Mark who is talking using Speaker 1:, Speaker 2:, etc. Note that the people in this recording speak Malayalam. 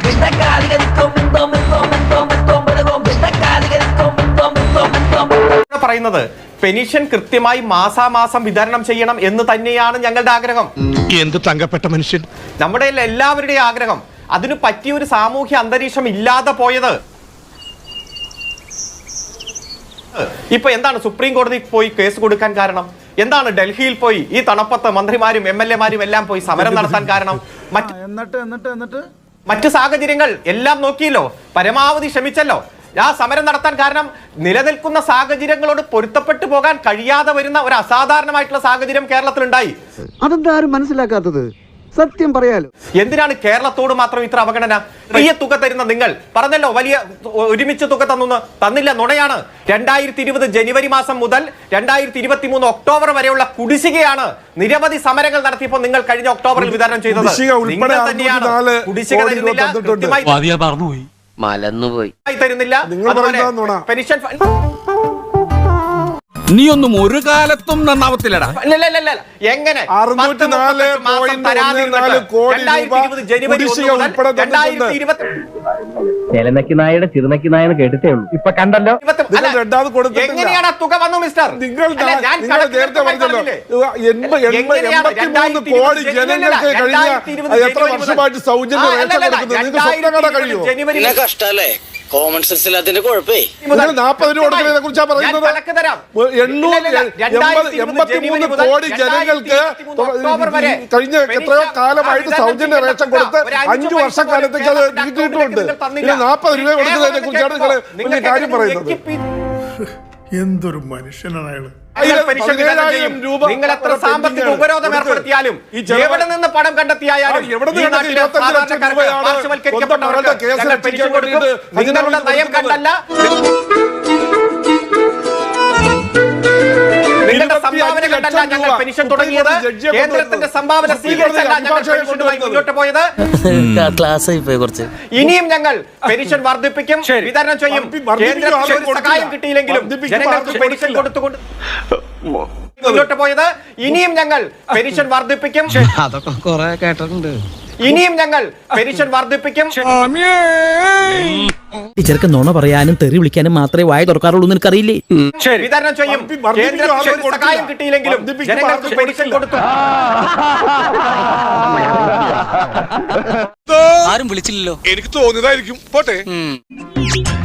Speaker 1: പറയുന്നത് പെൻഷൻ കൃത്യമായി മാസാമാസം വിതരണം ചെയ്യണം എന്ന് തന്നെയാണ് ഞങ്ങളുടെ ആഗ്രഹം.
Speaker 2: എന്ത് തങ്കപ്പെട്ട മനുഷ്യൻ.
Speaker 1: നമ്മുടെ എല്ലാവരുടെയും ആഗ്രഹം. അതിന് പറ്റിയ ഒരു സാമൂഹ്യ അന്തരീക്ഷം ഇല്ലാതെ പോയത്. ഇപ്പൊ എന്താണ് സുപ്രീം കോടതിയിൽ പോയി കേസ് കൊടുക്കാൻ കാരണം? എന്താണ് ഡൽഹിയിൽ പോയി ഈ തണുപ്പത്ത് മന്ത്രിമാരും MLA-മാരും എല്ലാം പോയി സമരം നടത്താൻ കാരണം? മറ്റു സാഹചര്യങ്ങൾ എല്ലാം നോക്കിയല്ലോ, പരമാവധി ശ്രമിച്ചല്ലോ. ആ സമരം നടത്താൻ കാരണം നിലനിൽക്കുന്ന സാഹചര്യങ്ങളോട് പൊരുത്തപ്പെട്ടു പോകാൻ കഴിയാതെ വരുന്ന ഒരു അസാധാരണമായിട്ടുള്ള സാഹചര്യം കേരളത്തിലുണ്ടായി.
Speaker 3: അതെന്താ ആരും മനസ്സിലാക്കാത്തത്? സത്യം പറയാലോ.
Speaker 1: എന്തിനാണ് കേരളത്തോട് മാത്രം ഇത്ര അവഗണന? വലിയ തുക തരുന്ന നിങ്ങൾ പറഞ്ഞല്ലോ, വലിയ ഒരുമിച്ച് തുക തന്നില്ല, നുണയാണ്. 2020 ജനുവരി മാസം മുതൽ 2023 ഒക്ടോബർ വരെയുള്ള കുടിശ്ശികയാണ് നിരവധി സമരങ്ങൾ നടത്തിയപ്പോൾ നിങ്ങൾ കഴിഞ്ഞ ഒക്ടോബറിൽ വിതരണം ചെയ്തത്. നിങ്ങൾ തന്നെയാണ് കുടിശ്ശിക തരുന്നില്ല,
Speaker 4: മലന്നുപോയി
Speaker 1: തരുന്നില്ല. പെൻഷൻ
Speaker 2: നീ ഒന്നും ഒരു കാലത്തും നന്നാവത്തില്ലടാ.
Speaker 1: എങ്ങനെ
Speaker 4: ചെലനക്കി നായയുടെ ചിറുനക്കി നായെന്ന് കേട്ടിട്ടേ ഉള്ളൂ, ഇപ്പൊ കണ്ടല്ലോ.
Speaker 1: എങ്ങനെയാണ് തുക വന്നു മിസ്റ്റർ?
Speaker 5: നിങ്ങൾ നേരത്തെ പറഞ്ഞല്ലോ 83 കോടി ജനങ്ങൾക്ക് കഴിഞ്ഞ എത്ര വർഷമായിട്ട് സൗജന്യ റേഷൻ കൊടുക്കുന്നത് നിങ്ങൾക്ക് സ്വപ്നം കാണാൻ കഴിയുമോ?
Speaker 6: കഷ്ടല്ലേ, കോമൺ സെൻസ് ഇല്ലാത്തതിന്റെ കുഴപ്പേ.
Speaker 5: 40 രൂപ കൊടുക്കുന്നതിനെ കുറിച്ചാണ് പറയുന്നത്. 883 കോടി ജനങ്ങൾക്ക് കഴിഞ്ഞ എത്രയോ കാലമായിട്ട് സൗജന്യ റേഷൻ കൊടുത്ത് 5 വർഷക്കാലത്തേക്ക് അത് നീട്ടിയിട്ടുണ്ട്. 40 രൂപ കൊടുക്കുന്നതിനെ കുറിച്ചാണ് നിങ്ങൾ കാര്യം പറയുന്നത്.
Speaker 7: എന്തൊരു മനുഷ്യനാണ് അയാള്.
Speaker 1: നിങ്ങൾ എത്ര സാമ്പത്തിക ഉപരോധം ഏർപ്പെടുത്തിയാലും, എവിടെ നിന്ന് പണം കണ്ടെത്തിയാലും നിങ്ങളുടെ നയം കണ്ടല്ല, നിങ്ങളുടെ സംഭാവന കണ്ടല്ല ഞങ്ങൾ പെൻഷൻ തുടങ്ങിയത്. കേന്ദ്രത്തിന്റെ സംഭാവന സ്വീകരിച്ചല്ല ഞങ്ങൾ പെൻഷനുമായി മുന്നോട്ട് പോയത്. ഇനിയും ഞങ്ങൾ പെൻഷൻ വർദ്ധിപ്പിക്കും, വിതരണം ചെയ്യും. കേന്ദ്രത്തിന് ഒരു സഹായം കിട്ടിയില്ലെങ്കിലും ജനങ്ങൾക്ക് പെൻഷൻ കൊടുത്തുകൊണ്ട് മുന്നോട്ട് പോയത്. ഇനിയും ഞങ്ങൾ പെൻഷൻ വർദ്ധിപ്പിക്കും.
Speaker 3: അതൊക്കെ കുറെ കേട്ടിട്ടുണ്ട്.
Speaker 1: ഇനിയും ഞങ്ങൾ പെൻഷൻ വർദ്ധിപ്പിക്കും.
Speaker 8: ഈ ചെറുക്കൻ നുണ പറയാനും തെറി വിളിക്കാനും മാത്രമേ വായ തുറക്കാറുള്ളൂ, നിനക്കറിയില്ലേ?
Speaker 1: വിതരണം ചെയ്യും. കേന്ദ്രത്തിന് ഒരു സഹായം കിട്ടിയില്ലെങ്കിലും ജനങ്ങൾക്ക് പെൻഷൻ കൊടുത്തു.
Speaker 2: ആരും വിളിച്ചില്ലല്ലോ. എനിക്ക് തോന്നിയതായിരിക്കും. പോട്ടെ.